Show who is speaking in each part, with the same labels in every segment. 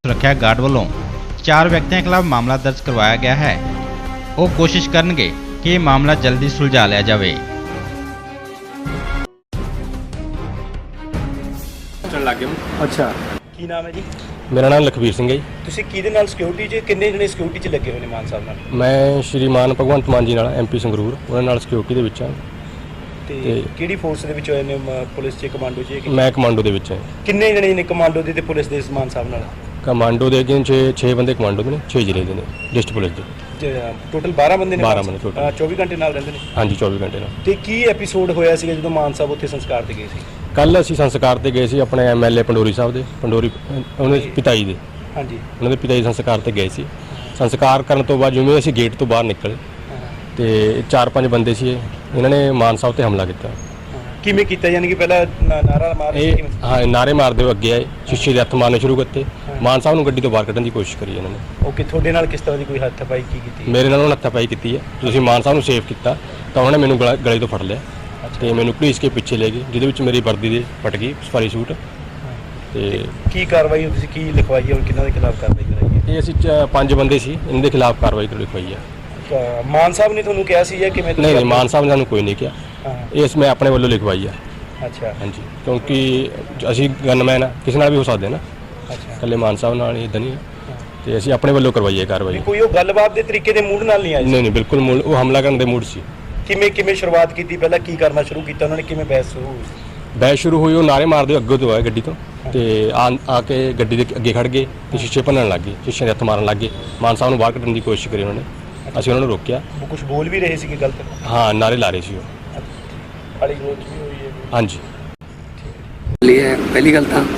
Speaker 1: सुरक्षा गार्ड वालों 4 व्यक्तियों खिलाफ मामला दर्ज करवाया गया है। वो कोशिश करनगे कि मामला जल्दी सुलझा लिया जाए।
Speaker 2: अच्छा की नाम है जी?
Speaker 3: मेरा नाम लखबीर सिंह है जी।
Speaker 2: ਤੁਸੀਂ ਕਿਹਦੇ ਨਾਲ ਸਿਕਿਉਰਿਟੀ 'ਚ ਕਿੰਨੇ ਜਣੇ ਸਿਕਿਉਰਿਟੀ 'ਚ ਲੱਗੇ ਹੋਏ ਨੇ ਮਾਨ ਸਾਹਿਬ ਨਾਲ?
Speaker 3: ਮੈਂ ਸ਼੍ਰੀਮਾਨ ਭਗਵੰਤ ਮਾਨ ਜੀ ਨਾਲ MP ਸੰਗਰੂਰ ਉਹਨਾਂ ਨਾਲ ਸਿਕਿਉਰਿਟੀ ਦੇ ਵਿੱਚ ਹਾਂ
Speaker 2: ਤੇ ਕਿਹੜੀ ਫੋਰਸ ਦੇ ਵਿੱਚ ਹੋਏ ਨੇ? ਪੁਲਿਸ 'ਚ, ਕਮਾਂਡੋ 'ਚ?
Speaker 3: ਮੈਂ ਕਮਾਂਡੋ ਦੇ ਵਿੱਚ ਹਾਂ।
Speaker 2: ਕਿੰਨੇ ਜਣੇ ਨੇ ਕਮਾਂਡੋ ਦੇ ਤੇ ਪੁਲਿਸ ਦੇ ਮਾਨ ਸਾਹਿਬ ਨਾਲ?
Speaker 3: ਕਮਾਂਡੋ ਦੇ ਅੱਗੇ 6 ਬੰਦੇ ਕਮਾਂਡੋ ਦੇ ਨੇ, 6 ਜ਼ਿਲ੍ਹੇ ਦੇ ਨੇ ਡਿਸਟ੍ਰਿਕਟ ਪੁਲਿਸ ਦੇ।
Speaker 2: ਟੋਟਲ 12 ਬੰਦੇ ਨੇ?
Speaker 3: 12 ਬੰਦੇ total।
Speaker 2: 24 ਘੰਟੇ ਨਾਲ ਰਹਿੰਦੇ ਨੇ?
Speaker 3: ਹਾਂਜੀ 24 ਘੰਟੇ ਨਾਲ।
Speaker 2: ਤੇ ਕੀ ਐਪੀਸੋਡ ਹੋਇਆ ਸੀਗਾ ਜਦੋਂ ਮਾਨ ਸਾਹਿਬ ਉੱਥੇ ਸੰਸਕਾਰ ਤੇ ਗਏ ਸੀ?
Speaker 3: ਕੱਲ ਅਸੀਂ ਸੰਸਕਾਰ ਤੇ ਗਏ ਸੀ ਆਪਣੇ MLA ਪੰਡੋਰੀ ਸਾਹਿਬ ਦੇ, ਉਹਨਾਂ ਦੇ ਪਿਤਾ ਜੀ ਦੇ,
Speaker 2: ਹਾਂਜੀ
Speaker 3: ਉਹਨਾਂ ਦੇ ਪਿਤਾ ਜੀ ਸੰਸਕਾਰ ਤੇ ਗਏ ਸੀ। ਸੰਸਕਾਰ ਕਰਨ ਤੋਂ ਬਾਅਦ ਜਿਵੇਂ ਅਸੀਂ ਗੇਟ ਤੋਂ ਬਾਹਰ ਨਿਕਲੇ ਤੇ 4-5 ਬੰਦੇ ਸੀ, ਇਹਨਾਂ ਨੇ ਮਾਨ ਸਾਹਿਬ ਤੇ ਹਮਲਾ ਕੀਤਾ।
Speaker 2: ਕਿਵੇਂ ਕੀਤਾ? ਯਾਨੀ ਕਿ ਪਹਿਲਾਂ ਨਾਰਾ ਮਾਰ ਰਹੇ ਸੀ?
Speaker 3: ਹਾਂ, ਨਾਰੇ ਮਾਰਦੇ ਹੋਏ ਅੱਗੇ ਆਏ, ਸ਼ੀਸ਼ੇ ਦੇ ਹੱਥ ਮਾਰਨੇ ਸ਼ੁਰੂ ਕਰਤੇ। ਮਾਨ ਸਾਹਿਬ ਨੂੰ ਗੱਡੀ ਤੋਂ ਬਾਹਰ ਕੱਢਣ ਦੀ ਕੋਸ਼ਿਸ਼ ਕਰੀ ਇਹਨਾਂ ਨੇ।
Speaker 2: ਓਕੇ, ਤੁਹਾਡੇ ਨਾਲ ਕਿਸ ਤਰ੍ਹਾਂ ਦੀ ਕੋਈ ਹੱਥਾਪਾਈ ਕੀਤੀ?
Speaker 3: ਮੇਰੇ ਨਾਲ ਉਹਨਾਂ ਹੱਥਾਪਾਈ ਕੀਤੀ ਹੈ। ਤੁਸੀਂ ਮਾਨ ਸਾਹਿਬ ਨੂੰ ਸੇਵ ਕੀਤਾ ਤਾਂ ਉਹਨਾਂ ਨੇ ਮੈਨੂੰ ਗਲੇ ਤੋਂ ਫੜ ਲਿਆ ਤੇ ਮੈਨੂੰ ਪੁਲਿਸ ਕੇ ਪਿੱਛੇ ਲੈ ਗਏ, ਜਿਹਦੇ ਵਿੱਚ ਮੇਰੀ ਵਰਦੀ ਦੇ ਫਟ ਗਈ, ਸਫਾਰੀ ਸੂਟ। ਤੇ
Speaker 2: ਕੀ ਕਾਰਵਾਈ ਤੁਸੀਂ ਕੀ ਲਿਖਵਾਈ ਹੈ? ਕਿਹਨਾਂ ਦੇ ਖਿਲਾਫ ਕਾਰਵਾਈ ਕਰਾਈ ਹੈ?
Speaker 3: ਇਹ ਅਸੀਂ 5 ਬੰਦੇ ਸੀ, ਇਹਨਾਂ ਦੇ ਖਿਲਾਫ ਕਾਰਵਾਈ ਲਿਖਵਾਈ ਹੈ।
Speaker 2: ਮਾਨ ਸਾਹਿਬ ਨੇ ਤੁਹਾਨੂੰ ਕਿਹਾ ਸੀ ਜਾਂ ਕਿਵੇਂ?
Speaker 3: ਨਹੀਂ, ਮਾਨ ਸਾਹਿਬ ਨੇ ਸਾਨੂੰ ਕੋਈ ਨਹੀਂ ਕਿਹਾ, ਇਸ ਮੈਂ ਆਪਣੇ ਵੱਲੋਂ ਲਿਖਵਾਈ ਹੈ।
Speaker 2: ਅੱਛਾ,
Speaker 3: ਹਾਂਜੀ, ਕਿਉਂਕਿ ਅਸੀਂ ਗਨਮੈਨ ਆ, ਕਿਸੇ ਨਾਲ ਵੀ ਹੋ ਸਕਦੇ ਨਾ,
Speaker 2: ਅੱਛਾ,
Speaker 3: ਇਕੱਲੇ ਮਾਨ ਸਾਹਿਬ ਨਾਲ ਹੀ ਇਦਾਂ ਨਹੀਂ, ਤੇ ਅਸੀਂ ਆਪਣੇ ਵੱਲੋਂ ਕਰਵਾਈ ਹੈ ਕਾਰਵਾਈ।
Speaker 2: ਕੋਈ ਉਹ ਗੱਲਬਾਤ ਦੇ ਤਰੀਕੇ ਦੇ ਮੂਡ ਨਾਲ ਨਹੀਂ ਆਇਆ?
Speaker 3: ਨਹੀਂ, ਬਿਲਕੁਲ ਮੂਡ, ਉਹ ਹਮਲਾ ਕਰਨ ਦੇ ਮੂਡ ਸੀ।
Speaker 2: ਕਿਵੇਂ ਸ਼ੁਰੂਆਤ ਕੀਤੀ? ਪਹਿਲਾਂ ਕੀ ਕਰਨਾ ਸ਼ੁਰੂ ਕੀਤਾ ਉਹਨਾਂ ਨੇ? ਕਿਵੇਂ ਬਹਿਸ ਸ਼ੁਰੂ ਹੋਈ?
Speaker 3: ਬਹਿਸ ਸ਼ੁਰੂ ਹੋਈ, ਉਹ ਨਾਰੇ ਮਾਰਦੇ ਅੱਗੇ ਤੋਂ ਆਏ ਗੱਡੀ ਤੋਂ ਤੇ ਆ ਕੇ ਗੱਡੀ ਦੇ ਅੱਗੇ ਖੜ ਗਏ ਤੇ ਸ਼ੀਸ਼ੇ ਭੰਨਣ ਲੱਗ ਗਏ, ਸ਼ੀਸ਼ੇ ਦੇ ਹੱਥ ਮਾਰਨ ਲੱਗ ਗਏ। ਮਾਨ ਸਾਹਿਬ ਨੂੰ ਬਾਹਰ ਕੱਢਣ ਦੀ ਕੋਸ਼ਿਸ਼ ਕਰੀ ਉਹਨਾਂ ਨੇ, ਅਸੀਂ ਉਹਨਾਂ ਨੂੰ ਰੋਕਿਆ।
Speaker 2: ਉਹ ਕੁਝ ਬੋਲ ਵੀ ਰਹੇ ਸੀ ਕਿ ਗਲਤ?
Speaker 3: ਹਾਂ, ਨਾਰੇ ਲਾ ਰਹੇ ਸੀ ਉਹ।
Speaker 2: ਗਾਲੀ ਗਲੋਚ ਵੀ ਹੋਈ ਹੈ?
Speaker 3: ਹਾਂਜੀ।
Speaker 4: ਪਹਿਲੀ ਗੱਲ ਤਾਂ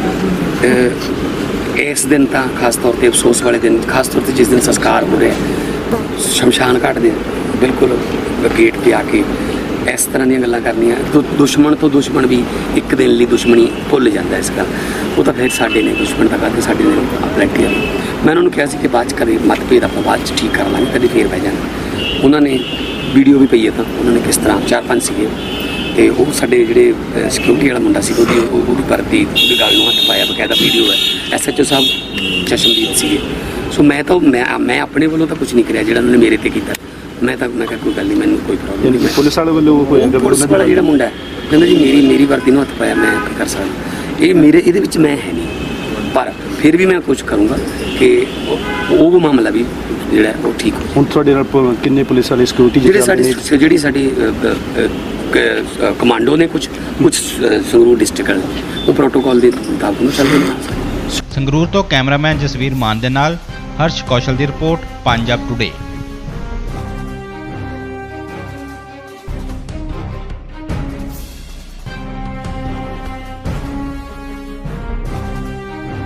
Speaker 4: ਇਸ ਦਿਨ ਤਾਂ ਖਾਸ ਤੌਰ ਤੇ ਅਫਸੋਸ ਵਾਲੇ ਦਿਨ, ਖਾਸ ਤੌਰ ਤੇ ਜਿਸ ਦਿਨ ਸੰਸਕਾਰ ਹੋ ਰਿਹਾ ਸ਼ਮਸ਼ਾਨ ਘਾਟ ਦੇ ਬਿਲਕੁਲ ਗੇਟ ਤੇ ਆ ਕੇ ਇਸ ਤਰ੍ਹਾਂ ਦੀਆਂ ਗੱਲਾਂ ਕਰਨੀਆਂ, ਦੁਸ਼ਮਣ ਤੋਂ ਦੁਸ਼ਮਣ ਵੀ ਇੱਕ ਦਿਨ ਲਈ ਦੁਸ਼ਮਣੀ ਭੁੱਲ ਜਾਂਦਾ। ਇਸ ਗੱਲ ਉਹ ਤਾਂ ਫਿਰ ਸਾਡੇ ਨੇ ਦੁਸ਼ਮਣ ਦਾ ਕਰਦੇ, ਸਾਡੇ ਨੇ ਆਪਲੈਟੀ। ਮੈਂ ਉਹਨਾਂ ਨੂੰ ਕਿਹਾ ਸੀ ਕਿ ਬਾਅਦ 'ਚ ਕਦੇ ਮਤਭੇਦ ਆਪਾਂ ਬਾਅਦ 'ਚ ਠੀਕ ਕਰ ਲਾਂਗੇ, ਕਦੇ ਫੇਰ ਬਹਿ ਜਾਣਾ। ਉਹਨਾਂ ਨੇ ਵੀਡੀਓ ਵੀ ਪਈ ਹੈ, ਤਾਂ ਉਹਨਾਂ ਨੇ ਕਿਸ ਤਰ੍ਹਾਂ 4-5 ਸੀਗੇ ਤੇ ਉਹ ਸਾਡੇ ਜਿਹੜੇ ਸਿਕਿਉਰਿਟੀ ਵਾਲਾ ਮੁੰਡਾ ਸੀ ਉਹਦੀ ਵਰਦੀ, ਉਹਦੀ ਗੱਲ ਨੂੰ ਹੱਥ ਪਾਇਆ, ਬਕਾਇਦਾ ਵੀਡੀਓ ਹੈ। SHO ਸਾਹਿਬ ਚਸ਼ਮਦੀਦ ਸੀਗੇ। ਸੋ ਮੈਂ ਆਪਣੇ ਵੱਲੋਂ ਤਾਂ ਕੁਝ ਨਹੀਂ ਕਰਿਆ, ਜਿਹੜਾ ਉਹਨਾਂ ਨੇ ਮੇਰੇ ਤੇ ਕੀਤਾ। ਮੈਂ ਕਿਹਾ ਕੋਈ ਗੱਲ ਨਹੀਂ, ਮੈਨੂੰ ਕੋਈ ਪ੍ਰੋਬਲਮ ਨਹੀਂ।
Speaker 2: ਪੁਲਿਸ ਵਾਲੇ ਵੱਲੋਂ
Speaker 4: ਪੁਲਿਸ ਵਾਲਾ ਜਿਹੜਾ ਮੁੰਡਾ ਕਹਿੰਦਾ ਜੀ ਮੇਰੀ ਵਰਦੀ ਨੂੰ ਹੱਥ ਪਾਇਆ, ਮੈਂ ਕੀ ਕਰ ਸਕਦਾ? ਇਹਦੇ ਵਿੱਚ ਮੈਂ ਹੈ ਨਹੀਂ, ਪਰ ਫਿਰ ਵੀ ਮੈਂ ਕੁਝ ਕਰੂੰਗਾ ਕਿ ਉਹ ਮਾਮਲਾ ਵੀ ਜਿਹੜਾ ਉਹ ਠੀਕ ਹੋ।
Speaker 2: ਹੁਣ ਤੁਹਾਡੇ ਨਾਲ ਕਿੰਨੇ ਪੁਲਿਸ ਵਾਲੇ ਸਿਕਿਉਰਿਟੀ
Speaker 4: ਜਿਹੜੀ ਸਾਡੀ ਕਮਾਂਡੋ ਨੇ ਕੁਝ ਸੰਗਰੂਰ ਡਿਸਟ੍ਰਿਕਟ ਵਾਲੇ ਉਹ ਪ੍ਰੋਟੋਕਾਲ ਦੇ ਮੁਤਾਬਕ ਨੂੰ ਚੱਲਦੇ ਨੇ।
Speaker 1: ਸੰਗਰੂਰ ਤੋਂ ਕੈਮਰਾਮੈਨ ਜਸਵੀਰ ਮਾਨ ਦੇ ਨਾਲ ਹਰਸ਼ ਕੌਸ਼ਲ ਦੀ ਰਿਪੋਰਟ, ਪੰਜਾਬ ਟੁਡੇ।